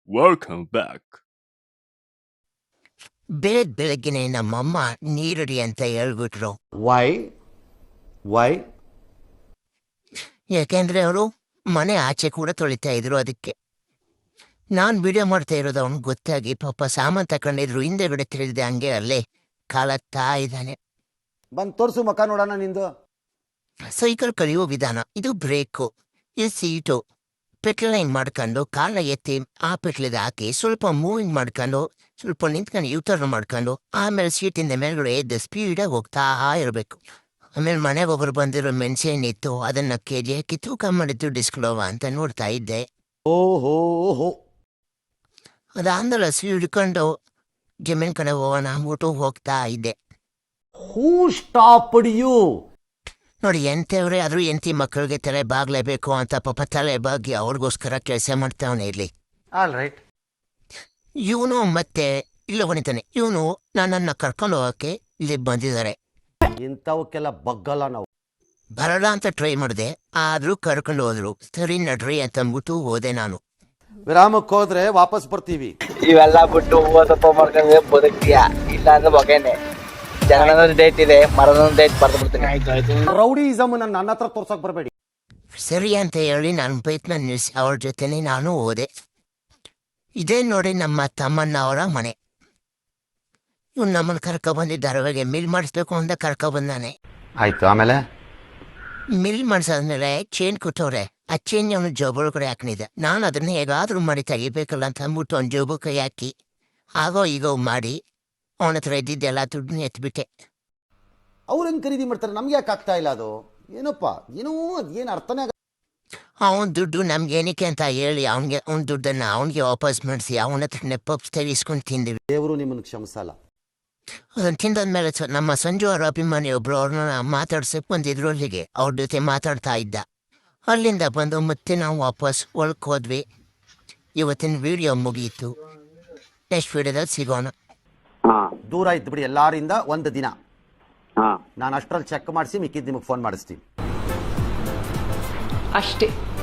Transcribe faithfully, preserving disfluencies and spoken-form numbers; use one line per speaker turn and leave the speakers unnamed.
Welcome back.
ಬೆಳಗ್ ಬೆಳಗ್ಗೆನೆ ನಮ್ಮಮ್ಮ ನೀರಡಿ ಅಂತ ಹೇಳ್ಬಿಟ್ರು.
ವೈ ವೈ
ಯಾಕೆಂದ್ರೆ ಅವರು ಮನೆ ಆಚೆ ಕೂಡ ತೊಳಿತಾ ಇದ್ರು. ಅದಕ್ಕೆ ನಾನು ವಿಡಿಯೋ ಮಾಡ್ತಾ ಇರೋದು ಅವ್ನಿಗೆ ಗೊತ್ತಾಗಿ ಪಾಪ ಸಾಮಾನು ತಗೊಂಡಿದ್ರು. ಹಿಂದೆಗಡೆ ತಿಳಿದೆ ಹಂಗೆ ಅಲ್ಲೇ ಕಾಲತ್ತಾ ಇದ್ದಾನೆ.
ಬಂದು ತೋರಿಸು ಮಕ ನೋಡೋಣ ನಿಂದು.
ಸೈಕಲ್ ಕಲಿಯೋ ವಿಧಾನ ಇದು. ಬ್ರೇಕು, ಇದು ಸೀಟು. ಪೆಟ್ಲೈನ್ ಮಾಡ್ಕೊಂಡು ಕಾಲ ಎತ್ತಿ ಆ ಪೆಟ್ಲಿಗೆ ಹಾಕಿ ಸ್ವಲ್ಪ ಮೂವಿಂಗ್ ಮಾಡ್ಕೊಂಡು ಸ್ವಲ್ಪ ನಿಂತ್ಕೊಂಡು ಯೂಟರ್ನ್ ಮಾಡ್ಕೊಂಡು ಆಮೇಲೆ ಸೀಟಿಂದ ಮೇಲ್ಗಡೆ ಎದ್ದು ಸ್ಪೀಡಾಗಿ ಹೋಗ್ತಾ ಇರಬೇಕು. ಆಮೇಲೆ ಮನೆಗೆ ಒಬ್ಬರು ಬಂದಿರೋ ಮೆಣಸೇನಿತ್ತು ಅದನ್ನ ಕೆ ಜಿ ಹಾಕಿ ತೂಕ ಮಾಡಿದ್ದು ಡಿಸ್ಕ್ಲೋವಾ ಅಂತ ನೋಡ್ತಾ ಇದ್ದೆ.
ಓಹೋ ಹೋ
ಅದಾದ್ಮೇಲೆ ಹಸಿ ಹಿಡ್ಕೊಂಡು ಜಮೀನ್ ಕಡೆ ಹೋಗೋಣ ಅಂದ್ಬಿಟ್ಟು ಹೋಗ್ತಾ ಇದ್ದೆ.
Who stopped you?
ನೋಡಿ, ಎಂತವ್ರೆ ಆದ್ರೂ ಎಂತಿ ಮಕ್ಕಳಿಗೆ ತಲೆ ಬಾಗ್ಲೇಬೇಕು ಅಂತ ಪಾಪ ತಲೆ ಬಾಗಿ ಅವ್ರಿಗೋಸ್ಕರ ಕೆಲಸ ಮಾಡ್ತಾವನೆ ಇರ್ಲಿ.
All right.
ಇವನು ಮತ್ತೆ ಇಲ್ಲ ಹೊಣಿತಾನೆ. ಇವನು ನನ್ನನ್ನು ಕರ್ಕೊಂಡು ಹೋಗಕ್ಕೆ ಇಲ್ಲಿ ಬಂದಿದ್ದಾರೆ.
ಇಂಥವಕ್ಕೆಲ್ಲ ಬಗ್ಗಲ್ಲ ನಾವು.
ಬರಲ್ಲ ಅಂತ ಟ್ರೈ ಮಾಡಿದೆ, ಆದ್ರೂ ಕರ್ಕೊಂಡು ಹೋದ್ರು. ಸರಿ ನಡ್ರಿ ಅಂತ ಅಂದ್ಬಿಟ್ಟು ಹೋದೆ ನಾನು.
ವಿರಾಮಕ್ಕೆ ಹೋದ್ರೆ ವಾಪಸ್ ಬರ್ತೀವಿ.
ಇವೆಲ್ಲ ಬಿಟ್ಟು ಓದಪ್ಪ ಮಾಡ್ಕೊಂಡ್ರೆ ಬದುಕ್ತೀಯ, ಇಲ್ಲ ಅಂದ್ರೆ ಬಗೆನೆ. ಜನನದ ಡೇಟ್ ಇದೆ, ಮರಣದ ಡೇಟ್ ಬರ್ದು ಬಿಡ್ತೀನಿ.
ರೌಡಿಸಮ್ ನನ್ನ ಹತ್ರ ತೋರ್ಸಕ್ ಬರಬೇಡಿ.
ಸರಿ ಅಂತ ಹೇಳಿ ನಾನು ಬೈಕ್ನ ನಿಲ್ಲಿಸಿ ಅವ್ರ ಜೊತೆನೆ ನಾನು ಹೋದೆ. ಇದೇ ನೋಡಿ ನಮ್ಮ ತಮ್ಮಣ್ಣ ಅವರ ಮನೆ. ಇವ್ನು ನಮ್ಮನ್ನು ಕರ್ಕೊ ಬಂದಿದ್ದಾರೆ. ಅವಾಗೆ ಮಿಲ್ ಮಾಡಿಸ್ಬೇಕು ಅಂತ ಕರ್ಕೊ ಬಂದಾನೆ.
ಆಯ್ತು, ಆಮೇಲೆ
ಮಿಲ್ ಮಾಡಿಸಾದ್ಮೇಲೆ ಚೇನ್ ಕೊಟ್ಟವ್ರೆ. ಆ ಚೇನ್ ಅವನು ಜೋಬಳ ಕಡೆ ಹಾಕೊಂಡಿದ್ದೆ. ನಾನು ಅದನ್ನ ಹೇಗಾದ್ರೂ ಮಾಡಿ ತೆಗಿಬೇಕಲ್ಲ ಅಂತ ಅಂದ್ಬಿಟ್ಟು ಅವ್ನ ಜೋಬು ಕೈ ಹಾಕಿ ಆಗೋ ಈಗೋ ಮಾಡಿ ಅವನ ಹತ್ರ ಇದ್ದಿದ್ದೆಲ್ಲ ದುಡ್ಡನ್ನ ಎತ್ಬಿಟ್ಟೆ.
ಅವ್ರು ಹೆಂಗ್ ಖರೀದಿ ಮಾಡ್ತಾರೆ? ನಮ್ಗೆ ಯಾಕೆ ಆಗ್ತಾ ಇಲ್ಲ ಅದು? ಏನಪ್ಪ ಏನೋ ಅದೇನು ಅರ್ಥನೇ ಆಗ.
ಅವನ ದುಡ್ಡು ನಮ್ಗೆ ಏನಕ್ಕೆ ಅಂತ ಹೇಳಿ ಅವನಿಗೆ ಅವ್ನ ದುಡ್ಡನ್ನು ಅವನಿಗೆ ವಾಪಸ್ ಮಾಡಿಸಿ ಅವನ ಹತ್ರನೇ ಪಪ್ಸ್ ತೆಗಿಸ್ಕೊಂಡು ತಿಂದಿವಿ.
ದೇವರು ನಿಮ್ಮನ್ನು ಕ್ಷಮಿಸಲ್ಲ.
ಅದನ್ನು ತಿಂದಾದ್ಮೇಲೆ ನಮ್ಮ ಸಂಜು ಅವರ ಅಭಿಮಾನಿ ಒಬ್ರು ಅವ್ರನ್ನ ಮಾತಾಡ್ಸಕ್ಕೆ ಬಂದಿದ್ರು ಅಲ್ಲಿಗೆ. ಅವ್ರ ಜೊತೆ ಮಾತಾಡ್ತಾ ಇದ್ದ. ಅಲ್ಲಿಂದ ಬಂದು ಮತ್ತೆ ನಾವು ವಾಪಸ್ ಒಳಕ್ಕೆ ಹೋದ್ವಿ. ಇವತ್ತಿನ ವಿಡಿಯೋ ಮುಗಿಯಿತು. ನೆಕ್ಸ್ಟ್ ವಿಡಿಯೋದಲ್ಲಿ ಸಿಗೋಣ.
ದೂರ ಇದ್ದು ಬಿಡಿ ಎಲ್ಲಾರಿಂದ ಒಂದು ದಿನ. ನಾನು ಅಷ್ಟರಲ್ಲಿ ಚೆಕ್ ಮಾಡಿಸಿ ಮಿಕ್ಕಿದ್ದು ನಿಮಗೆ ಫೋನ್ ಮಾಡಿಸ್ತೀನಿ
ಅಷ್ಟೇ.